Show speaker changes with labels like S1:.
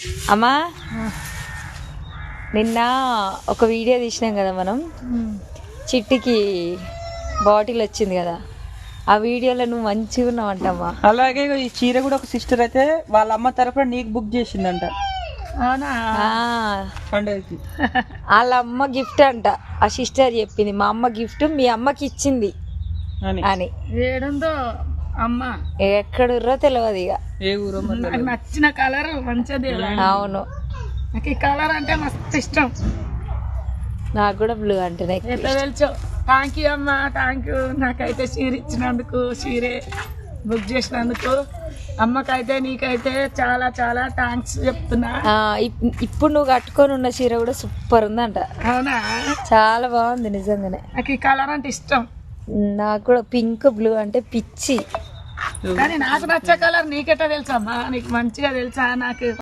S1: అమ్మా నిన్న ఒక వీడియో తీసినాం కదా మనం, చిట్టికి బాటిల్ వచ్చింది కదా, ఆ వీడియోలో నువ్వు మంచిగా ఉన్నావంటమ్మా.
S2: అలాగే ఈ చీర కూడా ఒక సిస్టర్ అయితే వాళ్ళ అమ్మ తరఫున నీకు బుక్ చేసిందంట. పండుగకి
S1: వాళ్ళ అమ్మ గిఫ్ట్ అంట, ఆ సిస్టర్ చెప్పింది. మా అమ్మ గిఫ్ట్ మీ అమ్మకి ఇచ్చింది అని.
S3: ఏడుందో అమ్మ
S1: ఎక్కడుర్రో తెలియదు ఇక.
S2: ఏ ఊరో
S3: నాకు నచ్చిన కలర్ మంచిది.
S1: అవును,
S3: నాకు ఈ కలర్ అంటే మస్తు ఇష్టం.
S1: నాకు కూడా బ్లూ అంటేనే
S3: ఎట్లా తెలుసో. థ్యాంక్ యూ అమ్మ, థ్యాంక్ యూ. నాకైతే చీర ఇచ్చినందుకు, చీరే బుక్ చేసినందుకు అమ్మకైతే నీకైతే చాలా చాలా థ్యాంక్స్ చెప్తున్నా.
S1: ఇప్పుడు నువ్వు కట్టుకొని ఉన్న చీర కూడా సూపర్ ఉందంట.
S3: అవునా,
S1: చాలా బాగుంది నిజంగానే.
S3: నాకు ఈ కలర్ అంటే ఇష్టం.
S1: నాకు కూడా పింక్ బ్లూ అంటే పిచ్చి.
S3: కానీ నాకు నచ్చే కలర్ నీకెట్టా తెలుసమ్మా? నీకు మంచిగా తెలుసా? నాకు